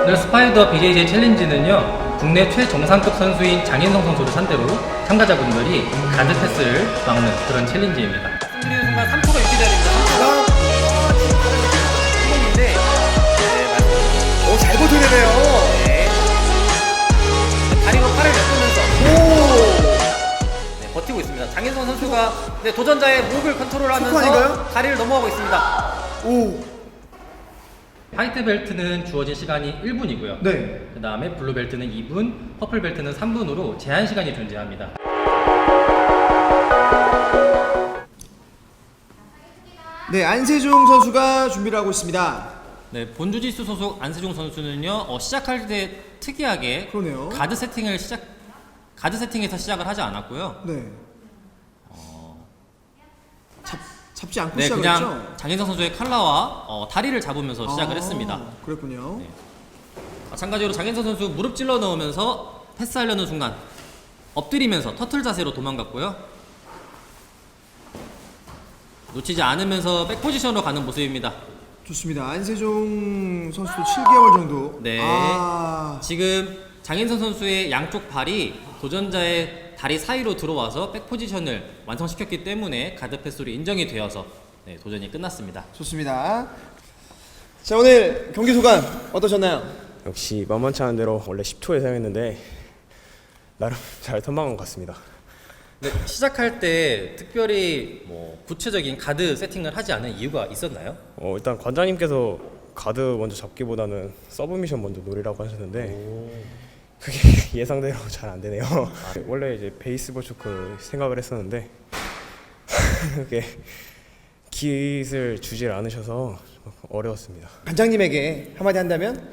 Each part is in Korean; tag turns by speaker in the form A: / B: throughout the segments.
A: 오늘 스파이더 BJJ 챌린지는요, 국내 최정상급 선수인 장인성 선수를 상대로 참가자분들이 가드 패스를 막는 그런 챌린지입니다. 승리는 순간 3초가 유지돼야 됩니다. 3초가.
B: 오, 잘 버텨내네요.
A: 네. 다리로 팔을 내뿜면서 네, 버티고 있습니다. 장인성 선수가 네, 도전자의 목을 컨트롤하면서 다리를 넘어가고 있습니다.
B: 오.
A: 화이트 벨트는 주어진 시간이 1분이고요.
B: 네.
A: 그 다음에 블루 벨트는 2분, 퍼플 벨트는 3분으로 제한 시간이 존재합니다.
B: 네, 안세종 선수가 준비를 하고 있습니다.
A: 네, 본주짓수 소속 안세종 선수는요, 시작할 때 특이하게
B: 그러네요.
A: 가드 세팅에서 시작을 하지 않았고요.
B: 네. 잡지 않고
A: 네,
B: 시작을
A: 그냥
B: 했죠?
A: 장인성 선수의 칼라와 다리를 잡으면서 시작을 했습니다.
B: 그랬군요.
A: 네. 마찬가지로 장인성 선수 무릎 찔러 넣으면서 패스하려는 순간 엎드리면서 터틀 자세로 도망갔고요. 놓치지 않으면서 백 포지션으로 가는 모습입니다.
B: 좋습니다. 안세종 선수도 7개월 정도.
A: 네. 지금 장인성 선수의 양쪽 발이 도전자의 다리 사이로 들어와서 백 포지션을 완성시켰기 때문에 가드 패스로 인정이 되어서 네, 도전이 끝났습니다.
B: 좋습니다. 자, 오늘 경기 소감 어떠셨나요?
C: 역시 만만치 않은 대로 원래 10초 예상했는데 나름 잘 선방한 것 같습니다.
A: 네, 시작할 때 특별히 뭐 구체적인 가드 세팅을 하지 않은 이유가 있었나요?
C: 일단 관장님께서 가드 먼저 잡기보다는 서브미션 먼저 노리라고 하셨는데 그게 예상대로 잘 안 되네요. 원래 이제 베이스볼 초크 생각을 했었는데 그게 깃을 주질 않으셔서 어려웠습니다.
B: 관장님에게 한마디 한다면?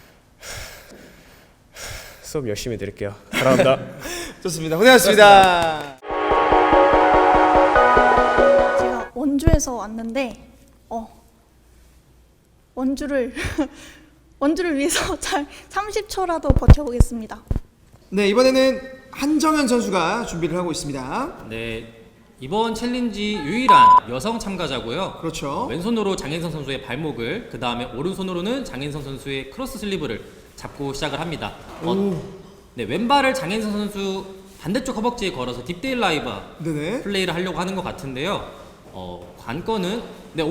C: 수업 열심히 드릴게요. 사랑합니다.
B: 좋습니다. 고생하셨습니다.
D: 제가 원주에서 왔는데 원주를 위해서 잘 30초라도 버텨보겠습니다.
B: 네, 이번에는 한정현 선수가 준비를 하고 있습니다.
A: 네, 이번 챌린지 유일한 여성 참가자고요.
B: 그렇죠.
A: 왼손으로 장인성 선수의 발목을, 그 다음에 오른손으로는 장인성 선수의 크로스 슬리브를 잡고 시작을 합니다. 네, 왼발을 장인성 선수 반대쪽 허벅지에 걸어서 딥데일 라이브
B: 네네.
A: 플레이를 하려고 하는 것 같은데요. 관건은 네,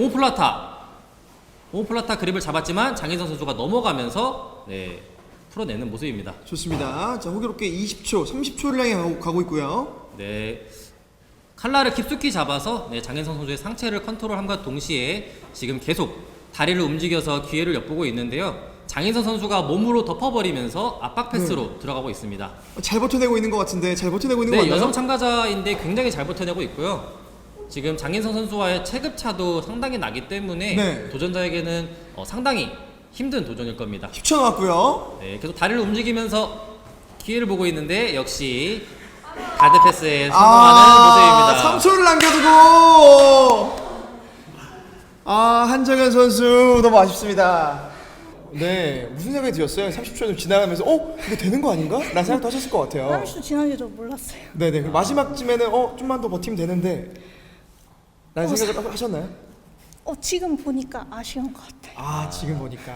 A: 오모플라타 그립을 잡았지만 장인성 선수가 넘어가면서 네, 풀어내는 모습입니다.
B: 좋습니다. 자, 호기롭게 20초, 30초를 향해 가고 있고요.
A: 네, 칼라를 깊숙이 잡아서 네, 장인성 선수의 상체를 컨트롤함과 동시에 지금 계속 다리를 움직여서 기회를 엿보고 있는데요. 장인성 선수가 몸으로 덮어버리면서 압박 패스로 들어가고 있습니다.
B: 잘 버텨내고 있는 것 같은데 잘 버텨내고 있는 것
A: 네,
B: 같나요?
A: 여성 참가자인데 굉장히 잘 버텨내고 있고요. 지금 장인성 선수와의 체급차도 상당히 나기 때문에
B: 네.
A: 도전자에게는 상당히 힘든 도전일 겁니다.
B: 10초 남았고요.
A: 네, 계속 다리를 움직이면서 기회를 보고 있는데 역시 가드 패스에 성공하는 모습입니다.
B: 3초를 남겨두고 한정현 선수 너무 아쉽습니다. 네, 무슨 생각이 드셨어요? 30초 좀 지나가면서 이거 되는 거 아닌가? 라는 생각도 하셨을 것 같아요.
D: 30초 지난지도 몰랐어요.
B: 네네, 마지막쯤에는 좀만 더 버티면 되는데 라는 생각을 하셨나요?
D: 지금 보니까 아쉬운 것 같아요.
B: 지금 보니까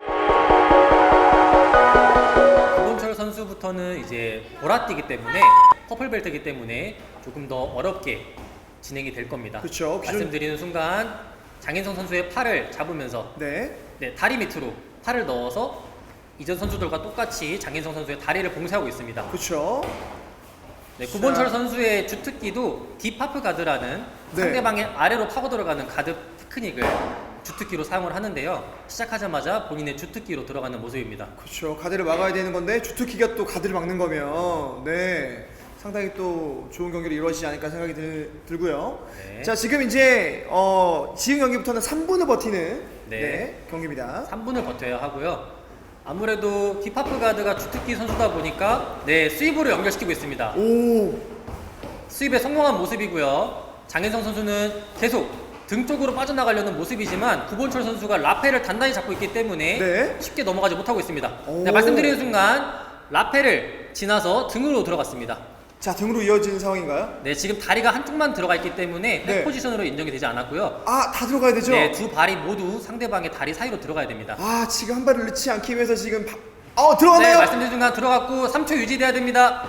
A: 구본철 선수부터는 이제 보라띠기 때문에 퍼플 벨트이기 때문에 조금 더 어렵게 진행이 될 겁니다.
B: 그렇죠.
A: 말씀드리는 순간 장인성 선수의 팔을 잡으면서
B: 네,
A: 다리 밑으로 팔을 넣어서 이전 선수들과 똑같이 장인성 선수의 다리를 봉쇄하고 있습니다.
B: 그렇죠.
A: 네, 구본철 선수의 주특기도 딥하프 가드라는
B: 네.
A: 상대방의 아래로 파고 들어가는 가드 테크닉을 주특기로 사용을 하는데요. 시작하자마자 본인의 주특기로 들어가는 모습입니다.
B: 그렇죠. 가드를 막아야 되는 건데 주특기가 또 가드를 막는 거면 상당히 또 좋은 경기로 이루어지지 않을까 생각이 들고요.
A: 네.
B: 자, 지금 이제 지금 경기부터는 3분을 버티는 경기입니다.
A: 3분을 버텨야 하고요. 아무래도 딥하프 가드가 주특기 선수다 보니까 스윕으로 연결시키고 있습니다. 스윕에 성공한 모습이고요. 장인성 선수는 계속 등 쪽으로 빠져나가려는 모습이지만 구본철 선수가 라페를 단단히 잡고 있기 때문에 쉽게 넘어가지 못하고 있습니다. 네, 말씀드리는 순간 라페를 지나서 등으로 들어갔습니다.
B: 자, 등으로 이어진 상황인가요?
A: 네, 지금 다리가 한쪽만 들어가 있기 때문에 백
B: 네.
A: 포지션으로 인정이 되지 않았고요.
B: 아, 다 들어가야 되죠?
A: 네, 두 발이 모두 상대방의 다리 사이로 들어가야 됩니다.
B: 아, 지금 한 발을 넣지 않기 위해서 지금
A: 네,
B: 들어갔나요?
A: 말씀드린 순간 들어갔고 3초 유지돼야 됩니다.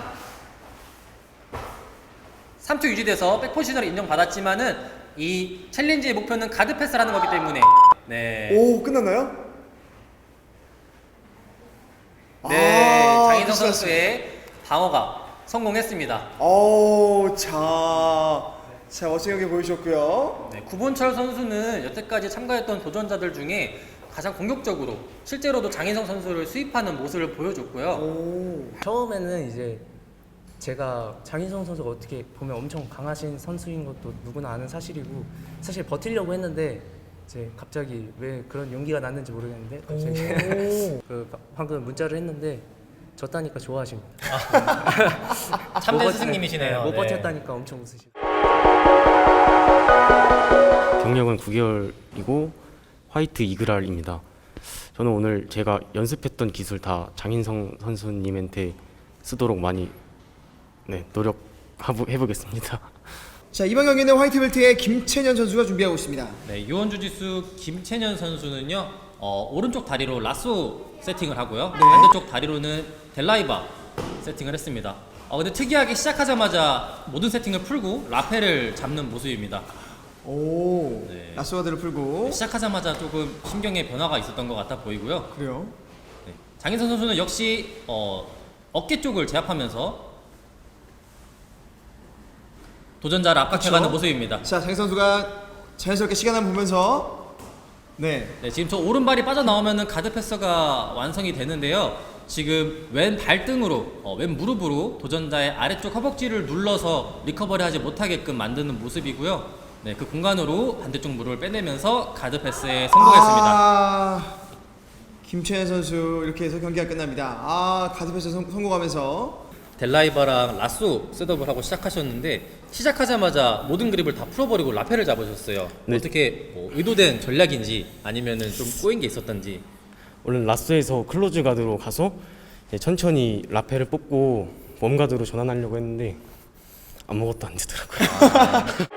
A: 3초 유지돼서 백 포지션으로 인정받았지만은 이 챌린지의 목표는 가드 패스라는 거기 때문에 네.
B: 오, 끝났나요?
A: 네,
B: 아,
A: 장인성
B: 끝났어요.
A: 선수의 방어가 성공했습니다.
B: 자, 멋지게 보여주셨고요.
A: 네, 구본철 선수는 여태까지 참가했던 도전자들 중에 가장 공격적으로 실제로도 장인성 선수를 수입하는 모습을 보여줬고요.
B: 오,
E: 처음에는 이제 제가 장인성 선수가 어떻게 보면 엄청 강하신 선수인 것도 누구나 아는 사실이고 사실 버티려고 했는데 이제 갑자기 왜 그런 용기가 났는지 모르겠는데 갑자기 방금 문자를 했는데 졌다니까 좋아하십니다.
A: 참된 스승님이시네요.
E: 못
A: 네.
E: 버텼다니까 엄청 웃으시고.
F: 경력은 9개월이고 화이트 이그랄입니다. 저는 오늘 제가 연습했던 기술 다 장인성 선수님한테 쓰도록 많이 노력해보겠습니다.
B: 자, 이번 경기는 화이트벨트의 김채년 선수가 준비하고 있습니다.
A: 네, 유원주짓수 김채년 선수는요, 오른쪽 다리로 라쏘 세팅을 하고요. 반대쪽 다리로는 델라이바 세팅을 했습니다. 근데 특이하게 시작하자마자 모든 세팅을 풀고 라페를 잡는 모습입니다.
B: 오,
A: 네.
B: 라스와드를 풀고.
A: 시작하자마자 조금 심경의 변화가 있었던 것 같아 보이고요.
B: 그래요?
A: 네. 장인선 선수는 역시 어깨 쪽을 제압하면서 도전자를 압박해가는
B: 그쵸?
A: 모습입니다.
B: 자, 장 선수가 자연스럽게 시간을 보면서
A: 네, 지금 저 오른발이 빠져나오면은 가드 패스가 완성이 되는데요. 지금 왼 발등으로, 왼 무릎으로 도전자의 아래쪽 허벅지를 눌러서 리커버리하지 못하게끔 만드는 모습이고요. 네, 그 공간으로 반대쪽 무릎을 빼내면서 가드 패스에 성공했습니다.
B: 김채연 선수 이렇게 해서 경기가 끝납니다. 가드 패스 성공하면서
A: 델라이바랑 라쏘 셋업을 하고 시작하셨는데 시작하자마자 모든 그립을 다 풀어버리고 라페를 잡으셨어요.
F: 네.
A: 어떻게 의도된 전략인지 아니면은 좀 꼬인 게 있었던지.
F: 원래 라스에서 클로즈 가드로 가서 천천히 라페를 뽑고 웜 가드로 전환하려고 했는데 아무것도 안 되더라고요.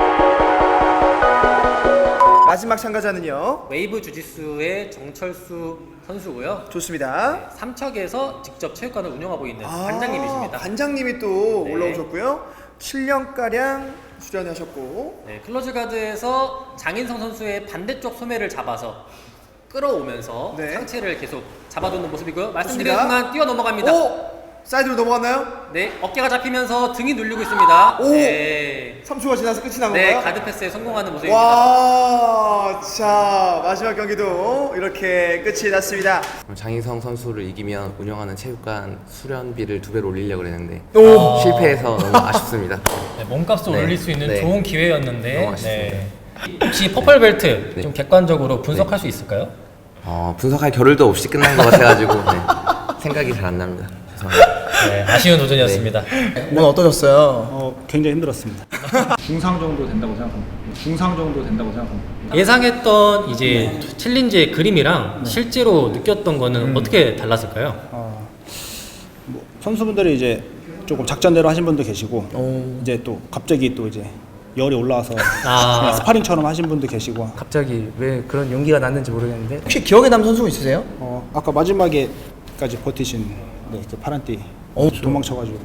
B: 마지막 참가자는요.
A: 웨이브 주짓수의 정철수 선수고요.
B: 좋습니다.
A: 삼척에서 직접 체육관을 운영하고 있는 관장님이십니다.
B: 관장님이 또
A: 네.
B: 올라오셨고요. 7년가량 수련하셨고.
A: 네, 클로즈 가드에서 장인성 선수의 반대쪽 소매를 잡아서 끌어오면서
B: 네.
A: 상체를 계속 잡아두는 모습이고요. 말씀드린
B: 좋습니다.
A: 순간 뛰어 넘어갑니다.
B: 오! 사이드로 넘어갔나요?
A: 네, 어깨가 잡히면서 등이 눌리고 있습니다.
B: 오!
A: 네,
B: 3초가 지나서 끝이 난
A: 네,
B: 건가요?
A: 가드 패스에 성공하는 모습입니다.
B: 와, 자, 마지막 경기도 이렇게 끝이 났습니다.
G: 장인성 선수를 이기면 운영하는 체육관 수련비를 2배로 올리려고 그랬는데
B: 오!
G: 실패해서 너무 아쉽습니다.
A: 네, 몸값을
G: 네,
A: 올릴 수 있는
G: 네.
A: 좋은 기회였는데
G: 너무 아쉽습니다.
A: 혹시 퍼플 벨트
G: 네.
A: 좀 객관적으로 분석할 수 있을까요?
G: 분석할 겨를도 없이 끝난 것 같아가지고 생각이 잘 안 납니다. 죄송합니다.
A: 네, 아쉬운 도전이었습니다.
B: 오늘 어떠셨어요?
H: 굉장히 힘들었습니다. 중상 정도 된다고 생각합니다. 중상 정도 된다고 생각합니다.
A: 예상했던 이제 챌린지의 그림이랑 실제로 느꼈던 거는 어떻게 달랐을까요?
H: 선수분들이 이제 조금 작전대로 하신 분도 계시고 이제 또 갑자기 또 이제 열이 올라와서 그냥 스파링처럼 하신 분도 계시고
E: 갑자기 왜 그런 용기가 났는지 모르겠는데
B: 혹시 기억에 남는 선수 있으세요?
H: 아까 마지막에까지 버티신 그 파란띠 도망쳐가지고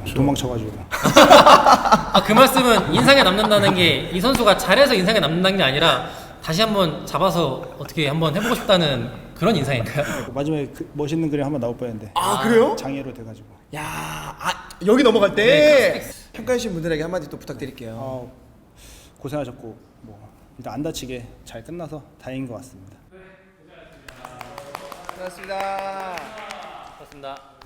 A: 그 말씀은 인상에 남는다는 게 이 선수가 잘해서 인상에 남는다는 게 아니라 다시 한번 잡아서 어떻게 한번 해보고 싶다는 그런 인상인가요?
H: 마지막에 그 멋있는 그림 한번 나올 뻔했는데
B: 그래요?
H: 장애로 돼가지고
B: 야, 여기 넘어갈 때 평가해주신 분들에게 한마디 또 부탁드릴게요.
H: 고생하셨고 뭐 일단 안 다치게 잘 끝나서 다행인 것 같습니다.
B: 고맙습니다.
A: 그렇습니다.